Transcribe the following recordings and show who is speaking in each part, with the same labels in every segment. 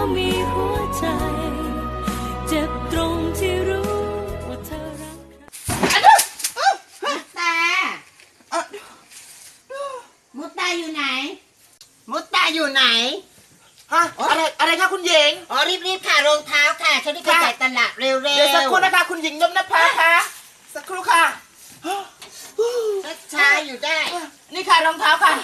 Speaker 1: มีหัวใจเจ็บตรงที่รู้ว่าเธอรัก
Speaker 2: มุตตาอยู่ไหนมุตตาอยู่ไหน
Speaker 3: ฮะอะไรคะคุณหญิง
Speaker 2: อ๋อรีบค่ะรองเท้าค่ะฉันรีบไปจ่ายตลาดเร็วๆ
Speaker 3: เดี๋ยวสักครู่นะคะคุณหญิงนพภาค่ะสักครู่ค่ะ
Speaker 2: ช้าอยู่ได้
Speaker 3: นี่ค่ะรองเท้าค่ะ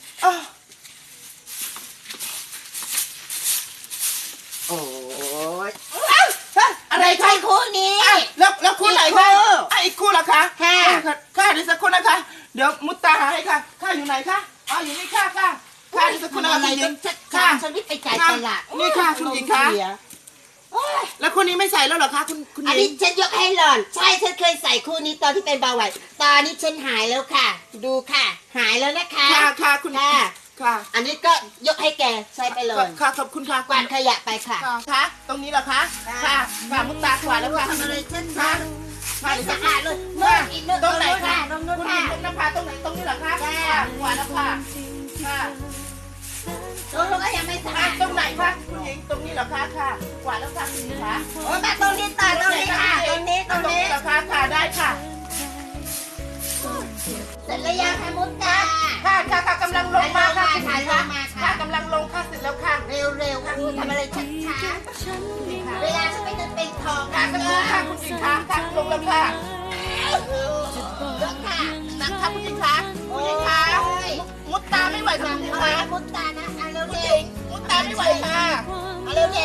Speaker 2: โอ้ย
Speaker 3: อะไรคะ
Speaker 2: คู่นี้
Speaker 3: แล้วคู่ไหนคะอีกคู่เหรอคะค่ะเดี๋ยวสักครู่นะคะเดี๋ยวมุตตาหาให้ค่ะค่ะอยู่ไหนคะอ๋ออยู่นี่ค่ะเดี๋ยวสักครู่นะคะคุณหญิง
Speaker 2: ค่ะฉันรีบไปจ่ายตลาด
Speaker 3: นี่ค่ะคุณหญิงคะแล้วคู่นี้ไม่ใส่แล้วเหรอคะคุณหญิง
Speaker 2: อันนี้ฉันยกให้หล่อนใช่ฉันเคยใส่คู่นี้ตอนที่เป็นเบาหวานตอนนี้ฉันหายแล้วค่ะดูค่ะหายแล้วนะคะ
Speaker 3: ค่ะคุณค่ะ
Speaker 2: อันนี้ก็ยกให้แกใช้ไปเลย
Speaker 3: ค่ะขอบคุณค่ะ
Speaker 2: กวาดขยะไปค่ะ
Speaker 3: ค่ะตรงนี้เหรอคะค่ะมุตตากวาดแล้วค่ะ
Speaker 2: ทำอะไรฉันคะ
Speaker 3: ไม่
Speaker 2: สะอาดเลยเมื่ออีก
Speaker 3: ตรงไหนคะ
Speaker 2: ตรงนู้น
Speaker 3: คุณหญิงนภาตรงไหนตรงนี้เหรอคะกวาดแล้วค่ะ
Speaker 2: ตรงนู้นก็ยังไม่สะอาด
Speaker 3: ตรงไหนคะคุณหญิงตรงนี้เหรอคะกวาดแล้วค่ะคุณหญิงคะ
Speaker 2: โอ้มาตรงนี้ต่อตรงนี้ค่ะตรงนี้
Speaker 3: เหรอคะได้ค่ะ
Speaker 2: เสร็จแล้วยังคะมุตตา
Speaker 3: ค่ะกำลังลงมาค่ะ
Speaker 2: ค่ะ
Speaker 3: กำลังลงค่ะเสร็จแล้วค่ะ
Speaker 2: เร็วค่ะทำอะไรช้าเวลาฉันไม่จะเป็นทอง
Speaker 3: ค่ะสักครู่ค่ะคุณหญิงคะลงแล้วค่ะนักค่ะคุณหญิงคะมุตตาไม่ไหวค่ะคุณหญิงคะ
Speaker 2: มุตตานะเร็ว
Speaker 3: มุตตาไม่ไหวค่ะ
Speaker 2: เร็ว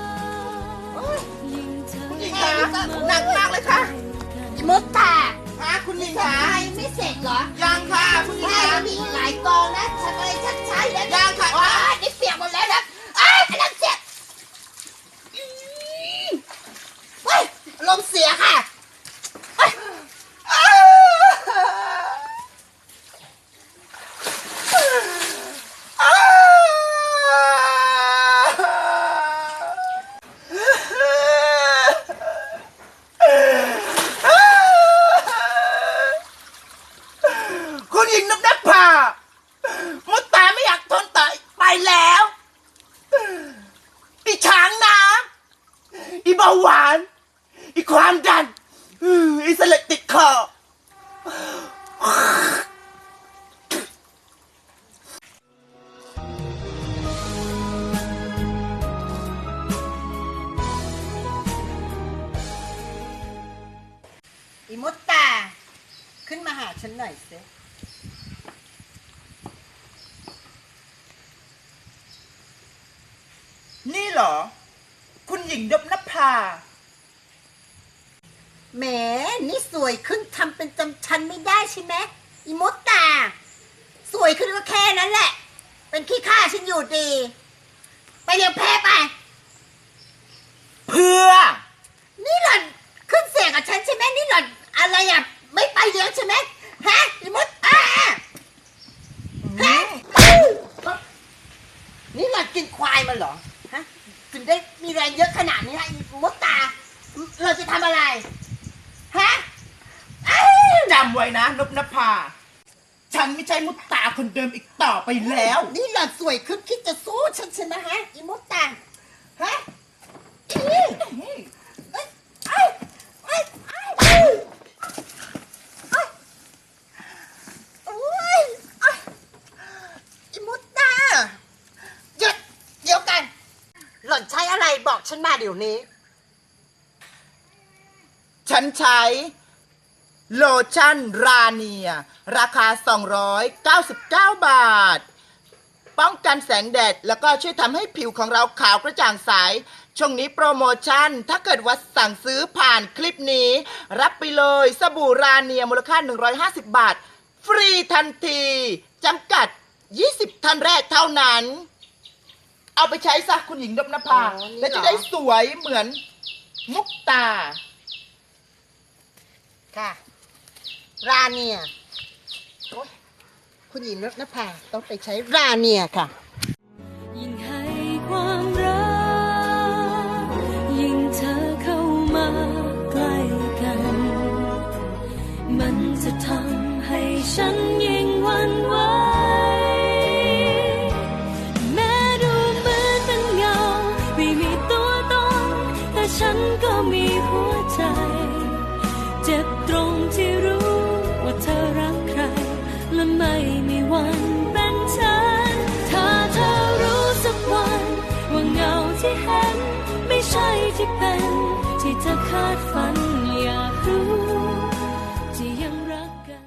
Speaker 3: คุณหญิงคะหนักมากเลยค่ะ
Speaker 2: มุตตา
Speaker 3: คุณหญิงคะ
Speaker 2: ไม่เสร็จเหรอ
Speaker 3: ยังค่ะคุณหญิงคะ
Speaker 2: มีหลายกองนะทำอะไรช้าๆแล้ว
Speaker 3: ยังค่ะ
Speaker 2: นี่เปียกหมดแล้วนะกำลังเจ็บลมเสียค่ะ
Speaker 3: คุณหญิงนภามุตตาไม่อยากทนต่อไปแล้วอีช้างน้ำอีเบาหวานอีความดันอีเสลดติดคอ
Speaker 2: อีมุตตาขึ้นมาหาฉันหน่อยสิ
Speaker 3: นี่เหรอคุณหญิงนภา
Speaker 2: แหมนี่สวยขึ้นทำเป็นจำฉันไม่ได้ใช่ไหมอีมุตตาสวยขึ้นก็แค่นั้นแหละเป็นขี้ข้าฉันอยู่ดีไปเรียกแพ้ไป
Speaker 3: เพื่อ
Speaker 2: นี่หล่อนขึ้นเสียงกับฉันใช่ไหมนี่หล่อนอะไรอ่ะไม่ไปเลี้ยงใช่ไหมฮะอีมุตตาฮะนี่หล่อนกินควายมาเหรอฮะถึงได้มีแรงเยอะขนาดนี้ฮะอีมุตตาเราจะทำอะไรฮะ
Speaker 3: จำไว้นะนภาฉันไม่ใช่มุตตาคนเดิมอีกต่อไปแล้ว
Speaker 2: นี่หล่อนสวยขึ้นคิดจะสู้ฉันใช่ไหมฮะอีมุตตาฮะหล่อนใช้อะไรบอกฉันมาเดี๋ยวนี้
Speaker 3: ฉันใช้โลชั่นราเนียราคา299 บาทป้องกันแสงแดดแล้วก็ช่วยทำให้ผิวของเราขาวกระจ่างใสช่วงนี้โปรโมชั่นถ้าเกิดว่าสั่งซื้อผ่านคลิปนี้รับไปเลยสบู่ราเนียมูลค่า150 บาทฟรีทันทีจำกัด20ท่านแรกเท่านั้นเอาไปใช้ซะคุณหญิงนภาและจะได้สวยเหมือนมุกตา
Speaker 2: ค่ะราเนียคุณหญิงนภาต้องไปใช้ราเนียค่ะ
Speaker 1: ยิ่งให้ความรักยิ่งเธอเข้ามาใกล้กันมันจะทำให้ฉันยิ่งหวั่นไหวแม้ดูเหมือนเป็นเงาไม่ฉันก็มีหัวใจ เจ็บตรงที่รู้ว่าเธอรักใคร และไม่มีวันเป็นฉัน ถ้าเธอรู้สักวันว่าเงาที่เห็นไม่ใช่ที่เป็น ที่เธอคาดฝันอยากรู้